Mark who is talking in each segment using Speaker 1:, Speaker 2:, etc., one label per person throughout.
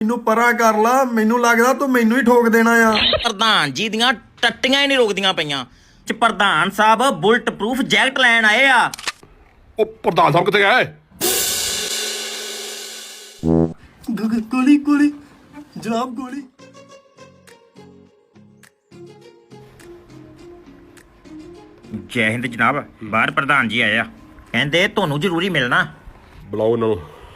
Speaker 1: ਮੈਨੂੰ ਪਰਾਂ ਕਰ ਲਾ, ਮੈਨੂੰ ਲੱਗਦਾ ਤੂੰ ਮੈਨੂੰ ਹੀ ਠੋਕ ਦੇਣਾ ਆ।
Speaker 2: ਪ੍ਰਧਾਨ ਜੀ ਦੀਆਂ ਟੱਟੀਆਂ ਹੀ ਨਹੀਂ ਰੁਕਦੀਆਂ ਪਈਆਂ। ਚ ਪ੍ਰਧਾਨ ਸਾਹਿਬ ਬੁਲਟ ਪ੍ਰੂਫ ਜੈਕਟ ਲੈਣ ਆਏ ਆ।
Speaker 3: ਉਹ ਪ੍ਰਧਾਨ ਸਾਹਿਬ ਕਿੱਥੇ ਗਏ?
Speaker 1: ਗੋਲੀ ਗੋਲੀ ਜਨਾਬ, ਗੋਲੀ।
Speaker 2: ਜੈ ਹਿੰਦ ਜਨਾਬ। ਬਾਹਰ ਪ੍ਰਧਾਨ ਜੀ ਆਏ ਆ, ਕਹਿੰਦੇ ਤੁਹਾਨੂੰ ਜ਼ਰੂਰੀ ਮਿਲਣਾ।
Speaker 3: ਬੁਲਾਓ ਇਹਨਾਂ ਨੂੰ।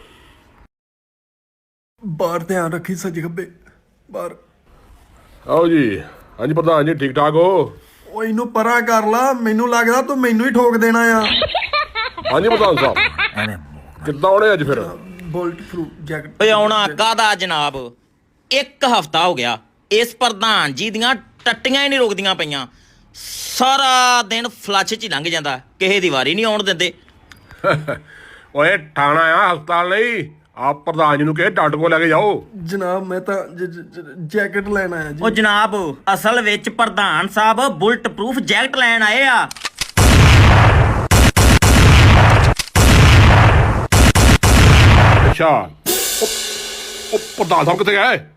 Speaker 1: ਬਾਹਰ ਧਿਆਨ ਰੱਖੀ, ਸੱਜੇ ਖੱਬੇ ਬਾਹਰ।
Speaker 3: ਆਓ ਜੀ। ਹਾਂਜੀ ਪ੍ਰਧਾਨ ਜੀ, ਠੀਕ ਠਾਕ ਹੋ?
Speaker 1: ਉਹ ਇਹਨੂੰ ਪਰਾਂ ਕਰ ਲਾ, ਮੈਨੂੰ ਲੱਗਦਾ ਤੂੰ ਮੈਨੂੰ ਹੀ ਠੋਕ ਦੇਣਾ ਆ।
Speaker 3: ਹਾਂਜੀ ਪ੍ਰਧਾਨ ਸਾਹਿਬ, ਕਿੱਦਾਂ ਆਉਣੇ ਅੱਜ ਫਿਰ?
Speaker 1: Bullet proof jacket.
Speaker 2: ਓਏ ਆਉਣਾ ਕਾਹਦਾ ਜਨਾਬ, 1 ਹਫ਼ਤਾ ਹੋ ਗਿਆ ਇਸ ਪ੍ਰਧਾਨ ਜੀ ਦੀਆਂ ਟੱਟੀਆਂ ਹੀ ਨਹੀਂ ਰੁਕਦੀਆਂ ਪਈਆਂ। ਸਾਰਾ ਦਿਨ ਫਲੱਸ਼ 'ਚ ਹੀ ਲੰਘ ਜਾਂਦਾ, ਕਿਸੇ ਦੀ ਵਾਰੀ ਨਹੀਂ ਆਉਣ ਦਿੰਦੇ।
Speaker 3: ਓਏ ਠਾਣਾ ਆ ਹਸਪਤਾਲ ਲਈ। ਆਪ ਪ੍ਰਧਾਨ ਜੀ ਨੂੰ ਕਹੇ ਡਾਕਟਰ ਕੋਲ ਲੈ ਕੇ ਜਾਓ।
Speaker 1: ਜਨਾਬ ਮੈਂ ਤਾਂ ਜੈਕਟ ਲੈਣ ਆਇਆ ਜੀ।
Speaker 2: ਉਹ ਜਨਾਬ ਅਸਲ ਵਿੱਚ ਪ੍ਰਧਾਨ ਸਾਹਿਬ ਬੁਲਟ ਪ੍ਰੂਫ ਜੈਕਟ ਲੈਣ ਆਏ ਆ।
Speaker 3: ਅੱਛਾ। ਉਹ ਪ੍ਰਧਾਨ ਸਾਹਿਬ ਕਿੱਥੇ ਗਏ?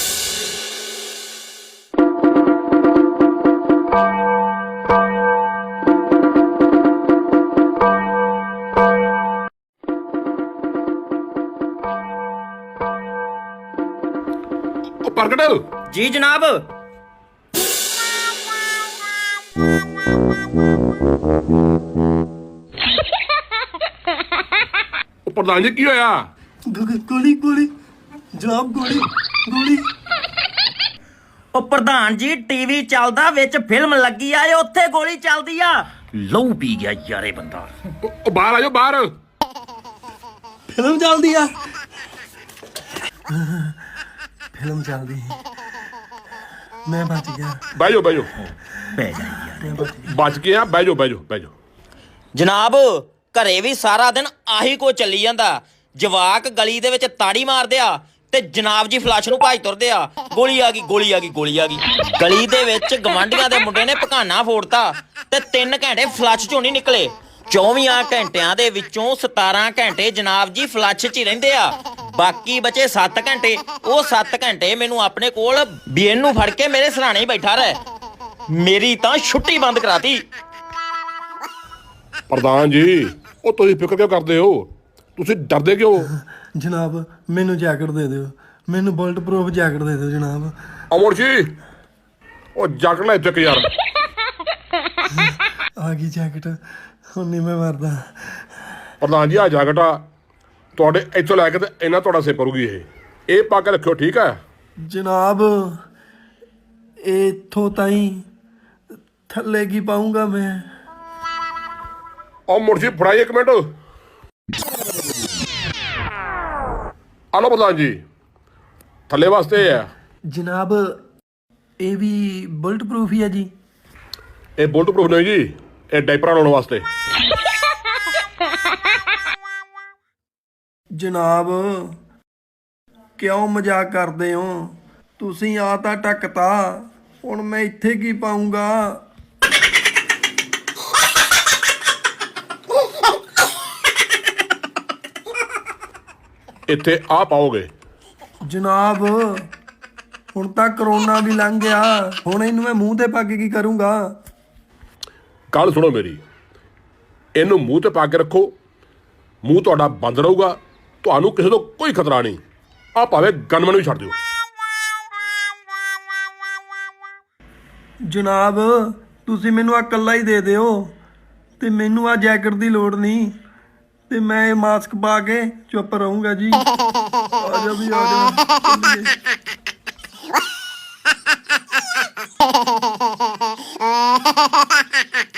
Speaker 3: ਉਹ ਪ੍ਰਗਟ।
Speaker 2: ਜੀ ਜਨਾਬ।
Speaker 3: ਉਹ ਪ੍ਰਧਾਨ ਜੀ ਕੀ ਹੋਇਆ?
Speaker 1: ਗੋਲੀ ਗੋਲੀ ਜਨਾਬ, ਗੋਲੀ ਗੋਲੀ।
Speaker 2: ਉਹ ਪ੍ਰਧਾਨ ਜੀ ਟੀਵੀ ਚੱਲਦਾ, ਵਿੱਚ ਫਿਲਮ ਲੱਗੀ ਆ, ਉੱਥੇ ਗੋਲੀ ਚੱਲਦੀ ਆ। ਲਹੂ ਪੀ ਗਿਆ ਯਾਰੇ ਬੰਦਾ।
Speaker 3: ਉਹ ਬਾਹਰ ਆਜੋ, ਬਾਹਰ।
Speaker 1: ਫਿਲਮ ਚੱਲਦੀ ਆ। ਫਿਲਮ ਚੱਲਦੀ, ਮੈਂ ਬਚ ਗਿਆ।
Speaker 3: ਬਹਿ ਜਾਓ, ਬਹਿ ਜਾਓ।
Speaker 2: ਪੈ ਜਾ ਯਾਰ।
Speaker 3: ਬਚ ਕੇ ਆ, ਬਹਿ ਜਾਓ, ਬਹਿ ਜਾਓ, ਬਹਿ ਜਾਓ।
Speaker 2: ਜਨਾਬ ਘਰੇ ਵੀ ਸਾਰਾ ਦਿਨ ਆਹੀ ਕੋ ਚੱਲੀ ਜਾਂਦਾ। ਜਵਾਕ ਗਲੀ ਦੇ ਵਿੱਚ ਤਾੜੀ ਮਾਰਦੇ ਆ ਤੇ ਜਨਾਬ ਜੀ ਫਲੱਸ਼ ਨੂੰ ਭੱਜ ਤੁਰਦੇ ਆ। ਗੋਲੀ ਆ ਗਈ, ਗੋਲੀ ਆ ਗਈ, ਗੋਲੀ ਆ ਗਈ। ਗਲੀ ਦੇ ਵਿੱਚ ਗਵਾਂਢੀਆਂ ਦੇ ਮੁੰਡੇ ਨੇ ਪਕਾਨਾ ਫੋੜਤਾ ਤੇ 3 ਘੰਟੇ ਫਲੱਸ਼ ਚੋਂ ਨਹੀਂ ਨਿਕਲੇ। 24 ਘੰਟਿਆਂ ਦੇ ਵਿੱਚੋਂ 17 ਘੰਟੇ ਜਨਾਬ ਜੀ ਫਲੱਸ਼ 'ਚ ਹੀ ਰਹਿੰਦੇ ਆ। ਬਾਕੀ ਬਚੇ 7 ਘੰਟੇ। ਉਹ 7 ਘੰਟੇ ਮੈਨੂੰ ਆਪਣੇ ਕੋਲ ਬੀਐਨ ਨੂੰ ਫੜ ਕੇ ਮੇਰੇ ਸਰਾਣੇ ਹੀ ਬੈਠਾ ਰਹੇ। ਮੇਰੀ ਤਾਂ ਛੁੱਟੀ ਬੰਦ ਕਰਾਤੀ।
Speaker 3: ਪ੍ਰਧਾਨ ਜੀ, ਉਹ ਤੁਸੀਂ ਫਿਕਰ ਕਿਉਂ ਕਰਦੇ ਹੋ? ਤੁਸੀਂ ਡਰਦੇ ਕਿਉਂ?
Speaker 1: ਜਨਾਬ ਮੈਨੂੰ ਜੈਕਟ ਦੇ ਦਿਓ, ਮੈਨੂੰ ਬੁਲਟ ਪ੍ਰੂਫ ਜੈਕਟ ਦੇ ਦਿਓ ਜਨਾਬ।
Speaker 3: ਅਮਰ ਜੀ, ਉਹ ਜੈਕਟ ਲੈ ਚੱਕ ਯਾਰ।
Speaker 1: ਆ ਗਈ ਜੈਕਟ, ਹੁਣ ਨਹੀਂ ਮੈਂ ਮਰਦਾ।
Speaker 3: ਪ੍ਰਧਾਨ ਜੀ, ਆ ਜੈਕਟ ਆ ਤੁਹਾਡੇ ਇੱਥੋਂ ਲੈ ਕੇ ਤੇ ਇਹਨਾਂ ਤੁਹਾਡਾ ਸਿਰ ਕਰੂਗੀ। ਇਹ ਪਾ ਕੇ ਰੱਖਿਓ, ਠੀਕ ਹੈ?
Speaker 1: ਜਨਾਬ ਇੱਥੋਂ ਤਾਈਂ, ਥੱਲੇ ਕੀ ਪਾਉਂਗਾ ਮੈਂ?
Speaker 3: ਅਮਰ ਜੀ ਫੜਾਈ 1 ਮਿੰਟ। ਆਲੋ ਪ੍ਰਧਾਨ ਜੀ, ਥੱਲੇ ਵਾਸਤੇ ਹੈ।
Speaker 1: ਜਨਾਬ ਇਹ ਵੀ ਬੁਲਟ ਪ੍ਰੂਫ ਹੀ ਹੈ ਜੀ?
Speaker 3: ਇਹ ਬੁਲਟ ਪ੍ਰੂਫ ਨਹੀਂ ਜੀ, ਇਹ ਡਾਈਪਰਾਂ ਲਾਉਣ ਵਾਸਤੇ।
Speaker 1: ਜਨਾਬ ਕਿਉਂ ਮਜ਼ਾਕ ਕਰਦੇ ਹੋ? ਤੁਸੀਂ ਆ ਤਾਂ ਢੱਕਤਾ, ਹੁਣ ਮੈਂ ਇੱਥੇ ਕੀ ਪਾਉਂਗਾ?
Speaker 3: ਇੱਥੇ ਆ ਪਾਓਗੇ।
Speaker 1: ਜਨਾਬ ਹੁਣ ਤਾਂ ਕਰੋਨਾ ਵੀ ਲੰਘ ਗਿਆ, ਹੁਣ ਇਹਨੂੰ ਮੈਂ ਮੂੰਹ ਤੇ ਪਾ ਕੇ ਕੀ ਕਰੂੰਗਾ?
Speaker 3: ਗੱਲ ਸੁਣੋ ਮੇਰੀ, ਇਹਨੂੰ ਮੂੰਹ ਤੇ ਪਾ ਕੇ ਰੱਖੋ। ਮੂੰਹ ਤੁਹਾਡਾ ਬੰਦ ਰਹੂਗਾ, ਤੁਹਾਨੂੰ ਕਿਸੇ ਤੋਂ ਕੋਈ ਖਤਰਾ ਨਹੀਂ। ਆ ਭਾਵੇਂ ਗਨਮੈਨ ਵੀ ਛੱਡ ਦਿਓ।
Speaker 1: ਜਨਾਬ ਤੁਸੀਂ ਮੈਨੂੰ ਆ ਇਕੱਲਾ ਹੀ ਦੇ ਦਿਓ ਤੇ ਮੈਨੂੰ ਆ ਜੈਕਟ ਦੀ ਲੋੜ ਨਹੀਂ, ਤੇ ਮੈਂ ਇਹ ਮਾਸਕ ਪਾ ਕੇ ਚੁੱਪ ਰਹੂੰਗਾ ਜੀ। ਆ ਜਾ ਵੀ ਆ ਜਾ।